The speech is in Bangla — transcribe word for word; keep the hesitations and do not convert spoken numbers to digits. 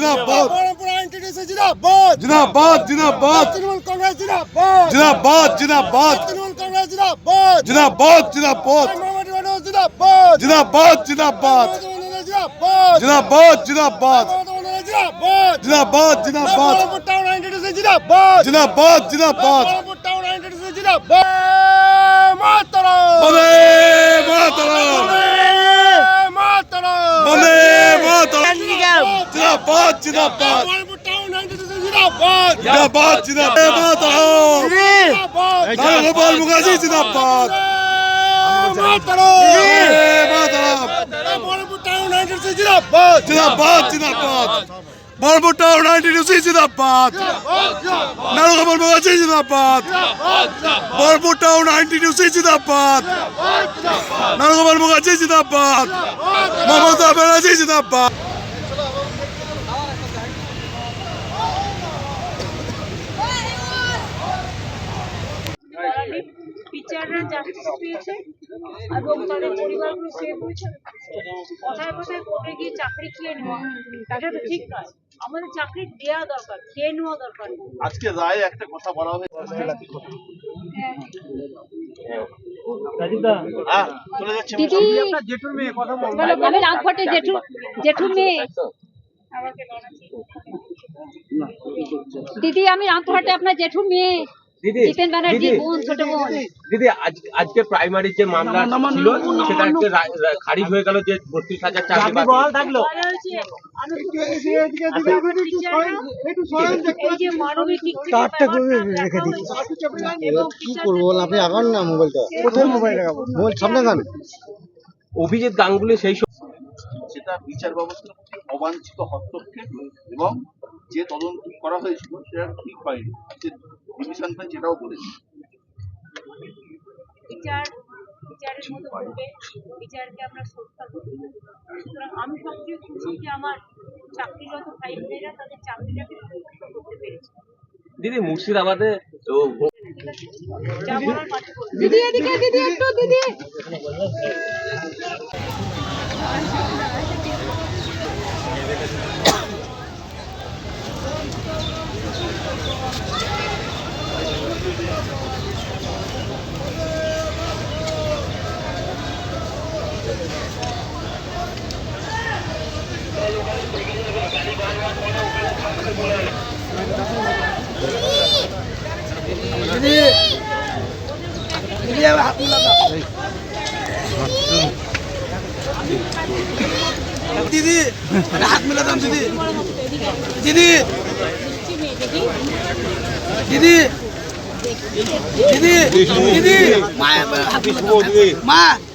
जिंदाबाद जिंदाबाद जिंदाबाद जिंदाबाद तृणमूल कांग्रेस जिंदाबाद जिंदाबाद जिंदाबाद तृणमूल कांग्रेस जिंदाबाद जिंदाबाद जिंदाबाद मोहम्मद मनोज जिंदाबाद जिंदाबाद जिंदाबाद जिंदाबाद जिंदाबाद जिंदाबाद जिंदाबाद जिंदाबाद जिंदाबाद मोहम्मद टाउन नाइंटी जिंदाबाद जिंदाबाद जिंदाबाद मोहम्मद टाउन नाइंटी जिंदाबाद मातरम वंदे मातरम मातरम वंदे मातरम जिंदाबाद जिंदाबाद मोहम्मद टाउन नाइंटी जिंदाबाद जिंदाबाद जिंदाबाद मातरम नारायण मुखर्जी जिंदाबाद मातरम मातरम मोहम्मद टाउन नाइंटी जिंदाबाद जिंदाबाद जिंदाबाद मोहम्मद टाउन नाइंटी जिंदाबाद नारायण मुखर्जी जिंदाबाद मोहम्मद टाउन नाइंटी जिंदाबाद नारायण मुखर्जी जिंदाबाद ममता बनर्जी जिंदाबाद টিচাররা জাস্টিস পেয়েছে এবং তাদের পরিবারগুলো সেভ হয়েছে। কথায় কথায় কোর্টে গিয়ে চাকরি খেয়ে নেওয়া এটা তো ঠিক নয়। আমাদের চাকরি দেওয়া দরকার, খেয়ে নেওয়া দরকার। আজকে রায় একটা কথা বলা হয়েছে, হ্যাঁ চলে যাচ্ছে জেঠুর মেয়ে কথা বলবো আমি রামফটে জেঠু জেঠুর মেয়ে দিদি আমি রামফটে আপনার জেঠুর মেয়ে জিতেন ব্যানার্জি বোন ছোট বোন। দিদি আজকে প্রাইমারি যে মামলা ছিল সেটা খারিজ হয়ে গেল যে বত্রিশ হাজার চাকরি থাকলো। কি করবো আপনি আগান না মোবাইলটা কোথায় মোবাইল মোবাইল সামনে গান অভিজিৎ গাঙ্গুলি সেই সেটা বিচার ব্যবস্থার প্রতি অবাঞ্ছিত হস্তক্ষেপ এবং যে তদন্ত করা হয়েছিল সেটা ঠিক হয়নি। ডিভিশন বেঞ্চ এটাও বলেছে বিচার বিচারের মতো করবে, বিচারকে আমরা শ্রদ্ধা করি। সুতরাং আমি সবচেয়ে খুশি যে আমার চাকরিরত ভাই বোনেরা তাদের চাকরিটাকে সুরক্ষিত করতে পেরেছে। দিদি মুর্শিদাবাদে দিদি এদিকে দিদি একটু দিদি দিদি হাত মিলাতাম দিদি দিদি দিদি দিদি দিদি মা মা